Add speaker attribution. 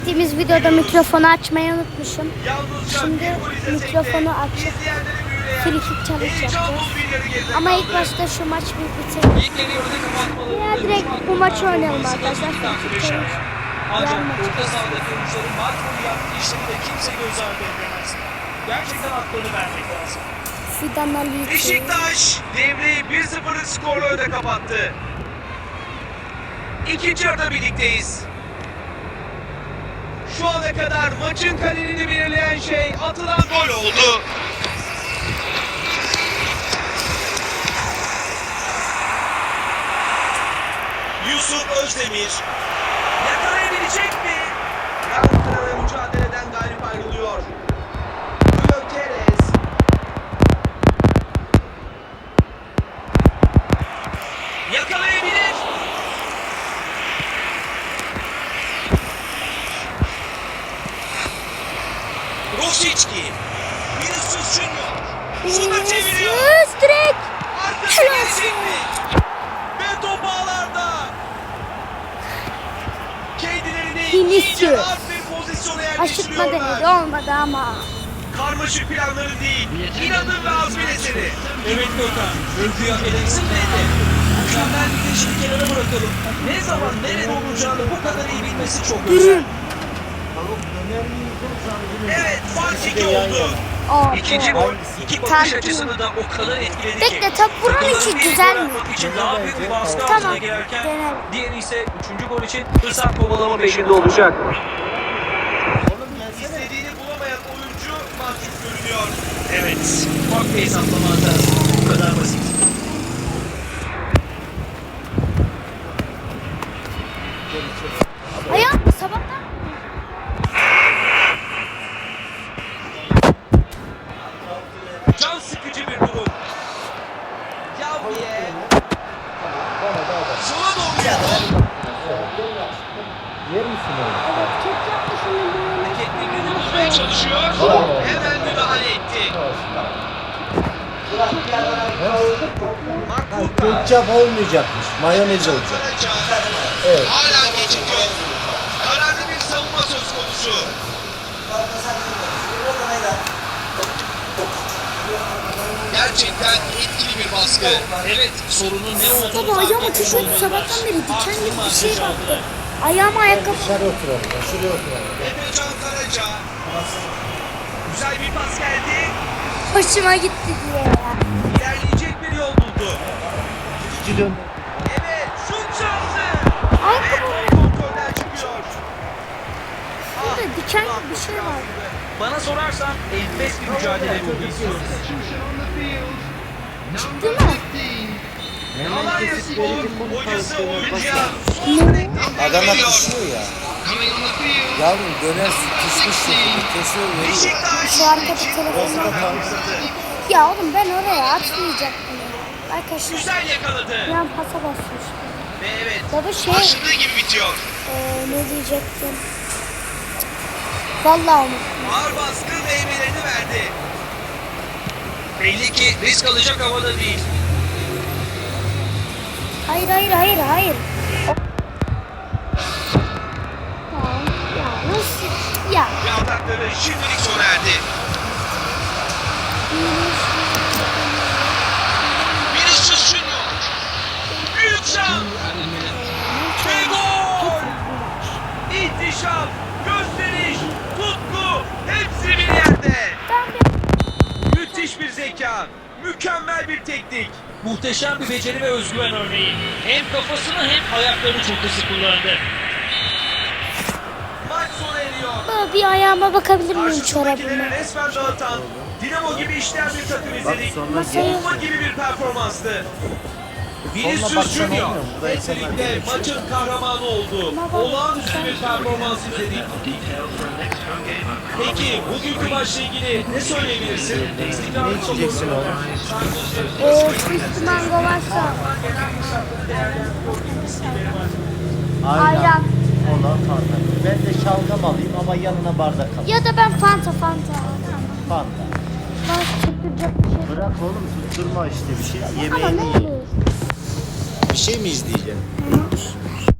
Speaker 1: Gittiğimiz videoda mikrofonu açmayı unutmuşum. Şimdi mikrofonu açıp frikik challenge yapacağız. Ama ilk başta şu maç bir bitirelim. Ya direkt bu maçı oynayalım arkadaşlar. Frikik challenge.
Speaker 2: Ancak orta sahadaki oyuncuların maç boyu yaptığı işleri de kimse göz ardı edemez. Gerçekten haklarını vermek lazım.
Speaker 1: Fidan Ali.
Speaker 3: Beşiktaş devreyi 1-0'lık skorla öne kapattı. İkinci yarıda birlikteyiz. Şu ana kadar maçın kaderini belirleyen şey atılan gol oldu. Yusuf Özdemir yakalayabilecek mi? Galatasaray mücadeleden galip ayrılıyor. Gökeres. Yakalayabilir. Rosicki. Vinicius Junior. Şuna çeviriyor.
Speaker 1: Vinicius direkt.
Speaker 3: Arkası gelecek mi? Ve top ağlarda. Kendilerini iyice
Speaker 1: Vinicius.
Speaker 3: rahat bir pozisyona
Speaker 1: Aşırtma denedi
Speaker 3: yerleştiriyorlar.
Speaker 1: olmadı ama.
Speaker 3: Karmaşık planları değil, inadın ve azmin eseri.
Speaker 2: Evet Gökhan, övgüyü hak eden isim neydi? Mükemmel bir teşvik kenara bırakalım. Ne zaman nerede olacağını bu kadar iyi bilmesi çok özel.
Speaker 3: Evet, fark 2 oldu.
Speaker 1: Aa,
Speaker 3: İkinci
Speaker 1: doğru.
Speaker 3: gol, iki bakış açısını da o kadar etkiledi ki.
Speaker 1: Bekle, top bunun
Speaker 3: takımların
Speaker 1: için
Speaker 3: bir
Speaker 1: güzel
Speaker 3: gol
Speaker 1: mi?
Speaker 3: atmak için daha büyük bir baskı
Speaker 1: Tamam,
Speaker 3: altına girerken,
Speaker 1: denelim.
Speaker 3: diğeri ise üçüncü gol için fırsat kovalama peşinde olacak. İstediğini bulamayan oyuncu mahcup görünüyor.
Speaker 2: Evet, ufak bir hesaplama hatası. Bu kadar basit.
Speaker 1: Ayağım sabahtan.
Speaker 3: Can sıkıcı bir durum. Yavriye. Sola doğru yapalım. Hareketlerini bulmaya çalışıyor. Hemen müdahale etti. Markuta.
Speaker 4: Ketçap olmayacakmış, mayonez olacak.
Speaker 3: Karaca.
Speaker 4: Evet.
Speaker 3: Hala gecikiyor. Kararlı bir savunma söz konusu. Gerçekten etkili bir baskı.
Speaker 2: Evet, sorunun ne olduğunu
Speaker 1: Baba ayağıma
Speaker 2: fark etmiş
Speaker 1: tişört
Speaker 2: olmalılar.
Speaker 1: sabahtan beri diken
Speaker 2: Farklı
Speaker 1: gibi bir
Speaker 2: markaj
Speaker 1: şey
Speaker 2: aldı.
Speaker 1: baktı. Ayağıma ayakkabı.
Speaker 4: Dışarı oturalım, şuraya oturalım.
Speaker 3: Efecan Karaca. Güzel bir pas geldi.
Speaker 1: Hoşuma gitti diye ya.
Speaker 3: İlerleyecek bir yol buldu.
Speaker 4: İki dön.
Speaker 3: Evet, şut şansı.
Speaker 1: Ayakkabı.
Speaker 3: Ve kontrolden çıkıyor.
Speaker 1: Burada diken gibi bir şey var.
Speaker 2: Bana sorarsan enfes bir mücadele ruhu istiyoruz.
Speaker 1: Çıktı mı?
Speaker 3: Alanya Spor hocası oyuncuya son direkten
Speaker 4: Adana
Speaker 3: veriyor.
Speaker 4: pişiyor ya. Yavrum döner pişmiş şekilde kesiyor veriyor.
Speaker 3: Beşiktaş
Speaker 1: Şu arkada
Speaker 3: için
Speaker 1: telefonu
Speaker 3: fırsat
Speaker 4: var.
Speaker 3: fırsattı.
Speaker 1: Ya oğlum ben oraya atmayacaktım ya. Arkadaşlar
Speaker 3: Güzel yakaladı.
Speaker 1: yan pasa basmıştım.
Speaker 3: Ve evet,
Speaker 1: Baba şey
Speaker 3: başladığı gibi bitiyor.
Speaker 1: ne diyecektim? Vallahi unuttum.
Speaker 3: Ağır baskı meyvelerini verdi. Belli ki risk alacak havada değil.
Speaker 1: Hayır hayır hayır hayır. Tamam ya nasıl ya.
Speaker 3: Ve atakları şimdilik sona erdi. Vinicius Junior. Büyük şans. Ve gol. İhtişam, gösteriş, tutku hepsi bir yerde. Müthiş bir zeka, mükemmel bir teknik.
Speaker 2: Muhteşem bir beceri ve özgüven örneği. Hem kafasını hem ayaklarını çok hızlı kullandı.
Speaker 3: Maç sona eriyor.
Speaker 1: Baba bir ayağıma bakabilir miyim
Speaker 3: Karşısındakileri
Speaker 1: çorabıma?
Speaker 3: resmen dağıtan, Dinamo gibi işleyen bir takım izledik.
Speaker 1: Masaya
Speaker 3: Bomba gibi bir performanstı. Vinicius
Speaker 4: baksan
Speaker 3: Junior
Speaker 4: olmuyor mu? Burada
Speaker 3: hep
Speaker 4: insanlar
Speaker 3: birlikte
Speaker 4: geçiyor.
Speaker 3: maçın kahramanı oldu.
Speaker 1: Baba,
Speaker 3: Olağanüstü bir performans izledik. Peki bugünkü maçla ilgili ne söyleyebilirsin?
Speaker 4: Ne içeceksin oğlum?
Speaker 1: Üstü mango varsa
Speaker 4: Ayran.
Speaker 1: ayran.
Speaker 4: Olan fanta. Ben de şalgam alayım ama yanına bardak alayım.
Speaker 1: Ya da ben Fanta.
Speaker 4: Fanta.
Speaker 1: Bana tutturacak bir şey.
Speaker 4: Bırak oğlum tutturma işte bir şey.
Speaker 1: Ama
Speaker 4: Yemeğini
Speaker 1: ne
Speaker 4: ye.
Speaker 1: olur?
Speaker 4: Bir şey mi izleyeceksin?